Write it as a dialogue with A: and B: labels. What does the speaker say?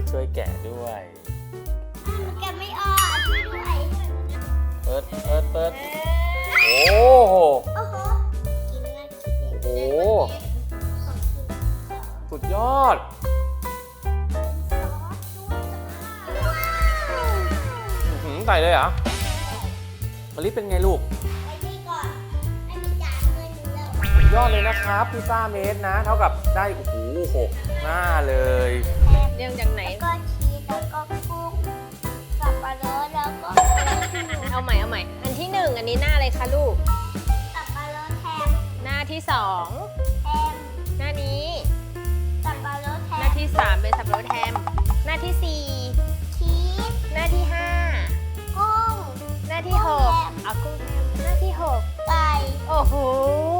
A: ช่วยแกะด้วย
B: มันแกะไม่ออกช่วยด้วย
A: เปิดโอ้โห
B: โอ้โหกินน่ากิน
A: โอ้โห
B: ของกิน
A: สุดยอด
B: ซอสด้วยว้าว
A: ใส่เลยเหรอมะลิเป็นไงลูก
B: ไปนี่ก่อนให้มีจานเงินอยู่แล้ว
A: สุดยอดเลยนะครับพิซซ่าเมตรนะ เท่ากับได้โอ้โห6 หน้าเลย
C: เรียงจากไหน
B: แล้วก็ชีสแล้วก็กุ้งสับปะรดแล้วก็
C: เอาใหม่อันที่ 1 อันนี้หน้าอะไรคะลูก
B: สับปะรดแฮม
C: หน้าที่
B: แฮม
C: 2 หน้านี้
B: สับปะรดแฮ
C: หน้าม ที่ 3 เป็นสับปะรดแฮม หน้าที่
B: ชีส
C: 4 หน้าที่
B: กุ้ง
C: 5 หน้าที่
B: กุ้งแฮม
C: 6เอากุ้งแฮมหน้าที่
B: ไก่
C: 6 โอ้โห